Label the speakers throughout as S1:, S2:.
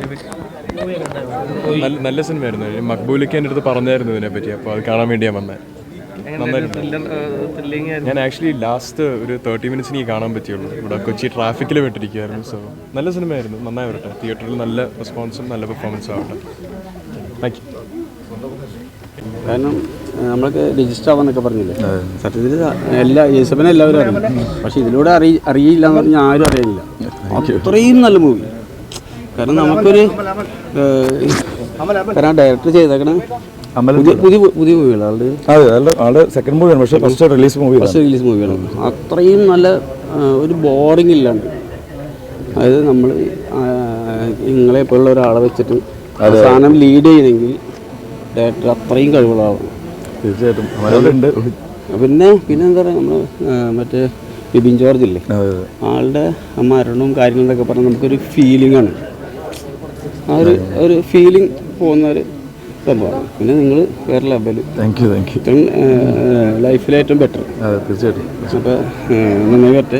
S1: നല്ല സിനിമയായിരുന്നു. മക്ബൂലിക്ക് എൻ്റെ അടുത്ത് പറഞ്ഞായിരുന്നു ഇതിനെപ്പറ്റി, അപ്പോൾ അത് കാണാൻ വേണ്ടിയാണ് വന്നത്. ഞാൻ ആക്ച്വലി ലാസ്റ്റ് ഒരു 30 മിനിറ്റ്സ് എനിക്ക് കാണാൻ പറ്റിയുള്ളൂ. ഇവിടെ കൊച്ചി ട്രാഫിക്കിൽ വിട്ടിരിക്കുകയായിരുന്നു. സോ നല്ല സിനിമയായിരുന്നു, നന്നായി വരട്ടെ. തിയേറ്ററിൽ നല്ല റെസ്പോൺസും നല്ല പെർഫോമൻസും ആവട്ടെ. Thank you.
S2: കാരണം നമ്മൾക്ക് രജിസ്റ്റർ ആവാന്നൊക്കെ പറഞ്ഞില്ലേ, സത്യത്തിൽ എല്ലാ യേശപ്പനെ എല്ലാവരും അറിയും. പക്ഷേ ഇതിലൂടെ അറിയില്ല എന്ന് പറഞ്ഞാൽ ആരും അറിയില്ല. അത്രയും നല്ല മൂവി. കാരണം നമുക്കൊരു കാരണം ഡയറക്ടർ ചെയ്തേക്കണ പുതിയ മൂവികളാണ്.
S3: ആളുടെ സെക്കൻഡ് മൂവിയാണ്, പക്ഷേ ഫസ്റ്റ് റിലീസ്
S2: മൂവിയാണ്. അത്രയും നല്ല ഒരു ബോറിംഗ് ഇല്ലാണ്ട്, അതായത് നമ്മൾ നിങ്ങളെപ്പോലുള്ള ഒരാളെ വെച്ചിട്ട് സാധനം ലീഡ് ചെയ്യണമെങ്കിൽ ഡയറക്ടർ അത്രയും കഴിവുകളാവണം.
S3: തീർച്ചയായിട്ടും.
S2: പിന്നെ എന്താ പറയുക, നമ്മൾ മറ്റേ ബിബിൻ ജോർജ് ഇല്ലേ, ആളുടെ മരണവും കാര്യങ്ങളൊക്കെ പറഞ്ഞാൽ നമുക്കൊരു ഫീലിംഗാണ്. ആ ഒരു ഫീലിംഗ് പോകുന്നൊരു സംഭവമാണ്. പിന്നെ നിങ്ങൾ വേറെ ലെവൽ.
S3: Thank you.
S2: ലൈഫിലേറ്റവും ബെറ്റർ.
S3: തീർച്ചയായിട്ടും.
S2: അപ്പോൾ നന്നായി വരട്ടെ.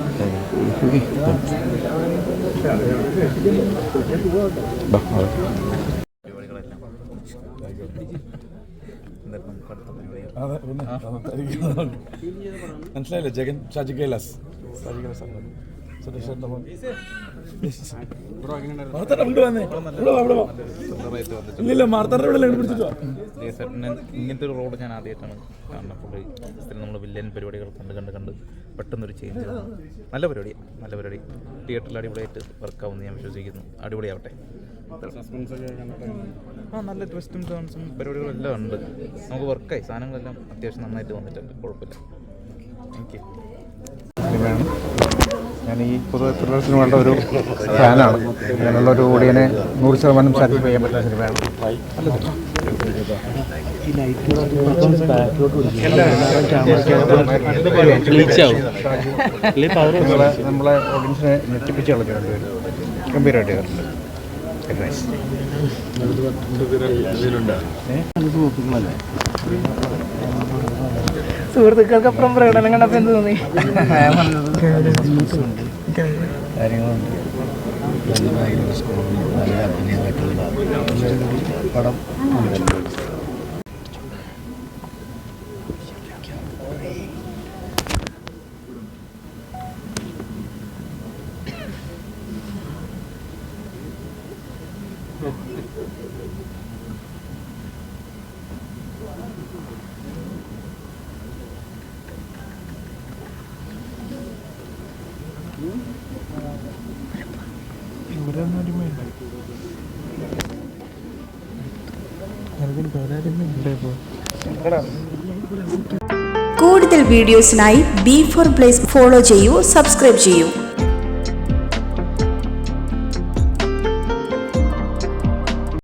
S3: മനസ്സിലായില്ലേ? ജഗൻ ഷാജി കൈലാസ്
S4: ഇങ്ങനത്തെ ഒരു റോഡ് ഞാൻ ആദ്യമായിട്ടാണ് കാണുന്നത്. പുള്ളി നമ്മൾ വില്ലൻ പരിപാടികൾ കണ്ട് പെട്ടെന്നൊരു ചേഞ്ച്. നല്ല പരിപാടി തിയേറ്ററിൽ അടിപൊളിയായിട്ട് വർക്കാവുമെന്ന് ഞാൻ വിശ്വസിക്കുന്നു. അടിപൊളിയാവട്ടെ. നല്ല ട്വിസ്റ്റും ടേൺസും പരിപാടികളും എല്ലാം ഉണ്ട്. നമുക്ക് വർക്കായി, സാധനങ്ങളെല്ലാം അത്യാവശ്യം നന്നായിട്ട് വന്നിട്ടുണ്ട്. കുഴപ്പമില്ല. Thank you.
S5: ഞാൻ ഈ പൊതുവെ ത്രില്ലർ സിനിമകളുടെ ഒരു ഫാനാണ്. അങ്ങനെയുള്ള ഒരു ഓഡിയനെ 100% സാറ്റിസ്ഫൈ ചെയ്യാൻ പറ്റുന്ന സിനിമയാണ്. നമ്മളെ ഓഡിയൻസിനെ ഞെട്ടിപ്പിച്ച് കളഞ്ഞിട്ടുണ്ട്. ഗംഭീരമായിട്ട് കണ്ടിട്ടുണ്ട്.
S6: സുഹൃത്തുക്കൾക്കപ്പുറം പ്രകടനം കണ്ടപ്പോൾ എന്ത് തോന്നി?
S5: കാര്യങ്ങളുണ്ട്. നല്ല അഭിനയമായിട്ടുള്ള പടം.
S7: കൂടുതൽ വീഡിയോസിനായി B4 Blaze ഫോളോ ചെയ്യൂ, സബ്സ്ക്രൈബ് ചെയ്യൂ.